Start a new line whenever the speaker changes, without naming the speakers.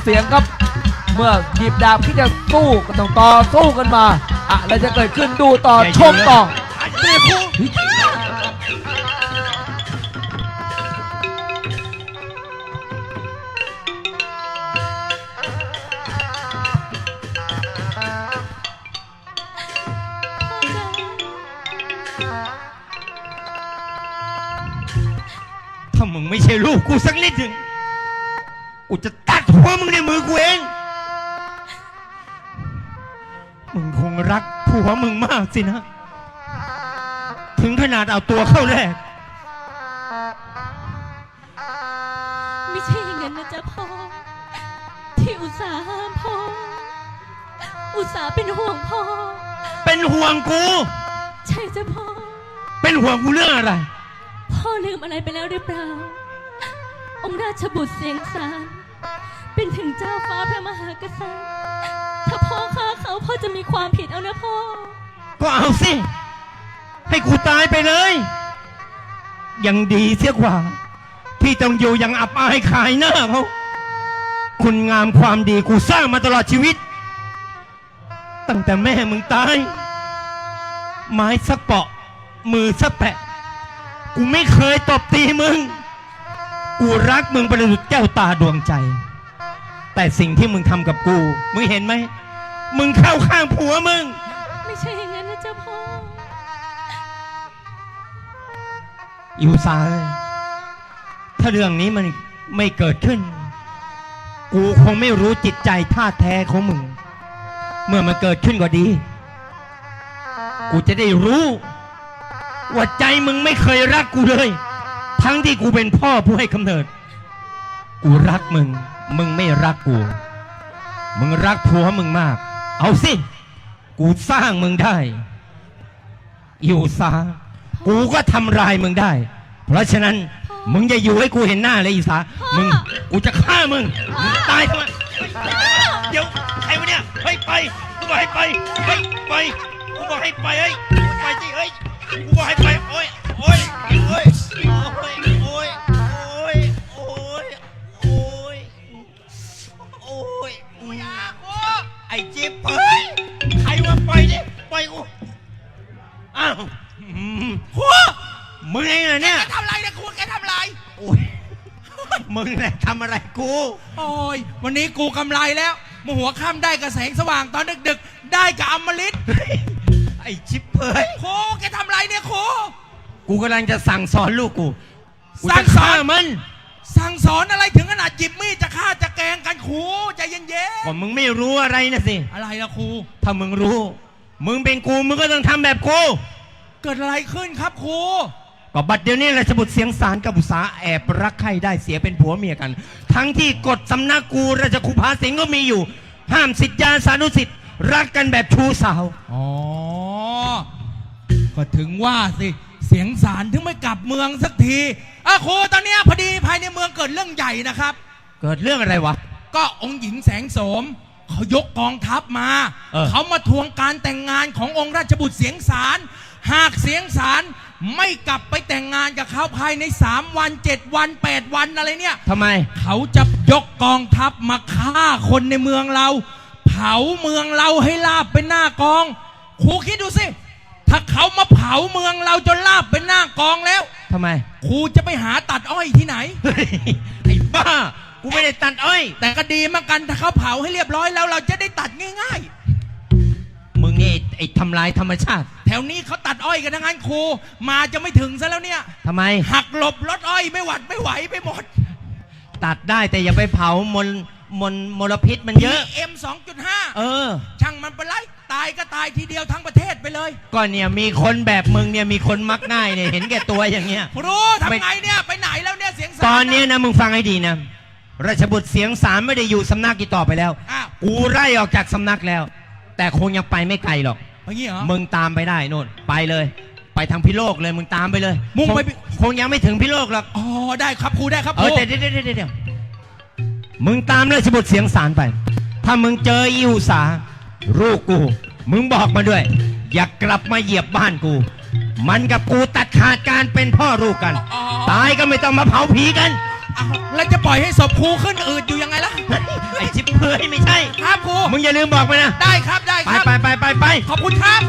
เสียงครับเมื่อหยิบดาบที่จะสู้ก็ต้องต่อสู้กันมาอะไรจะเกิดขึ้นดูต่อชมต่อ
ถ้ามึงไม่ใช่ลูกกูสักนิดหนึ่งกูจะตัดหัวมึงในมือกูเองมึงคงรักผัวมึงมากสินะถึงขนาดเอาตัวเข้าแลก
ไม่ใช่อย่างนั้นนะจ๊ะพ่อที่อุตส่าห์ห้ามพ่ออุตส่าห์เป็นห่วงพ่อ
เป็นห่วงกู
ใช่จ้ะพ่อ
เป็นห่วงกูเรื่องอะไร
พ่อลืมอะไรไปแล้วหรือเปล่าองค์ราชบุตรเสียงสารเป็นถึงเจ้าฟ้าพระมหากษัตริย์ถ้าพ่อฆ่าเขาพ่อจะมีความผิดเอานะพ่อ
ก็เอาสิให้กูตายไปเลยยังดีเสียกว่าที่ต้องอยู่ยังอับอายขายหน้าเขาคุณงามความดีกูสร้างมาตลอดชีวิตตั้งแต่แม่มึงตายไม้สักเปาะมือสักแปะกูไม่เคยตบตีมึงกูรักมึงประดุจแก้วตาดวงใจแต่สิ่งที่มึงทำกับกูมึงเห็นไหมมึงเข้าข้างผัวมึง
ไม่ใช่อย่างนั้นนะจ๊ะพ่อ
อิวซาถ้าเรื่องนี้มันไม่เกิดขึ้นกูคงไม่รู้จิตใจท่าแท้ของมึงเมื่อมันเกิดขึ้นก็ดีกูจะได้รู้ว่าใจมึงไม่เคยรักกูเลยทั้งที่กูเป็นพ่อผู้ให้กำเนิดกูรักมึงมึงไม่รักกูมึงรักผัวมึงมากเอาสิกูสร้างมึงได้อยู่ซากูก็ทำลายมึงได้เพราะฉะนั้นมึงจะอยู่ให้กูเห็นหน้าเลยอีสามึงกูจะฆ่ามึงตายทำไมเดี๋ยวใครวะเนี่ยเฮ้ยไปกูบอกให้ไปเฮ้ยไปกูบอกให้ไปเฮ้ยไปสิเฮ้ยกูบอกให้ไปโอ้ยโอ้ยโอ้ยโอ้ยโอ้ยโอ้ยโอ้ยโอ้ยโอ้ยกูอยากกูไอ้จิ๊บเฮ้ยใครมาไปดิไปกูอ้าวครูมึงเองเหรอเนี่ย
แกทำอะไรเนี่ยครูแกทำอะไร
โอ้ยมึงแหละทำอะไรกู
โอ้ยวันนี้กูกำไรแล้วมหัวค่ำได้กับแสงสว่างตอนดึกๆได้กับอมฤต
ไอ้ชิบเฮ้ย
ครูแกทำอะไรเนี่ยครู
กูกำลังจะสั่งสอนลูกกู
สั่งสอน
มัน
สั่งสอนอะไรถึงขนาดจิบมีดจะฆ่าจะแกงกันครูใจเย็น
ๆก็มึงไม่รู้อะไรนะสิ
อะไรล่ะครู
ถ้ามึงรู้มึงเป็นกูมึงก็ต้องทำแบบกู
เกิดอะไรขึ้นครับครู
ก็บัดเดี๋ยวนี้ราชบุตรเสียงสารกับอุษาแอบรักใครได้เสียเป็นผัวเมียกันทั้งที่กฎสำนักกูราชคุภาสิงห์ก็มีอยู่ห้ามศิษยาสานุศิษย์รักกันแบบชู้สาว
อ๋อก็ถึงว่าสิเสียงสารถึงไม่กลับเมืองสักทีครูตอนนี้พอดีภายในเมืองเกิดเรื่องใหญ่นะครับ
เกิดเรื่องอะไรวะ
ก็องค์หญิงแสงโสมเขายกกองทัพมาเขามาทวงการแต่งงานขององค์ราชบุตรเสียงสารหากเสียงสารไม่กลับไปแต่งงานกับเขาภายใน3 วัน 7 วัน 8 วันอะไรเนี่ย
ทำไม
เขาจะยกกองทัพมาฆ่าคนในเมืองเราเผาเมืองเราให้ลาบเป็นหน้ากองครูคิดดูสิถ้าเขามาเผาเมืองเราจนลาบเป็นหน้ากองแล้ว
ทำไม
ครูจะไปหาตัดอ้อยที่ไหน
ไอ้บ้ากูไม่ได้ตัดอ้อย
แต่ก็ดีเหมือนกันถ้าเขาเผาให้เรียบร้อยแล้วเราจะได้ตัดง่าย
ๆมึงนี่ไอ้ทำลายธรรมชาติ
แถวนี้เขาตัดอ้อยกันทั้งนั้นครูมาจะไม่ถึงซะแล้วเนี่ย
ทำไม
หักหลบรถอ้อยไม่หวัดไม่ไหวไปหมด
ตัดได้แต่อย่าไปเผามลพิษมันเยอะ
PM 2.5ช่างมันไปไล่ตายก็ตายทีเดียวทั้งประเทศไปเลย
ก็เนี่ยมีคนแบบมึงเนี่ยมีคนมักง่ายเนี่ยเห็นแก่ตัวอย่างเงี้ย
ครูทำไงเนี่ยไปไหนแล้วเนี่ยเสียงสาร
ตอนนี้นะมึงฟังให้ดีนะราชบุตรเสียงสารไม่ได้อยู่สำนักอีกต่อไปแล้วกูไล่ออกจากสำนักแล้วแต่คงยังไปไม่ไกลหรอกมึงตามไปได้โน่นไปเลยไปทางพิโลกเลยมึงตามไปเลย
มุ่งไป
คงยังไม่ถึงพิโลกหรอก
อ๋อได้ครับครูได้ครับ
แต่เดี๋ยวมึงตามราชบุตรเสียงสารไปถ้ามึงเจออิวสาลูกกูมึงบอกมาด้วยอย่ากลับมาเหยียบบ้านกูมันกับกูตัดขาดการเป็นพ่อลูกกันตายก็ไม่ต้องมาเผาผีกัน
คแล้วจะปล่อยให้ศพครูขึ้นอืดอยู่ยังไงล่ะ
ไอ้ชิบเพื่อยไม่ใช่
ครับครู
มึงอย่าลืมบอกไปนะ
ได้ครับได้ครับ
ไป
ขอบคุณครับ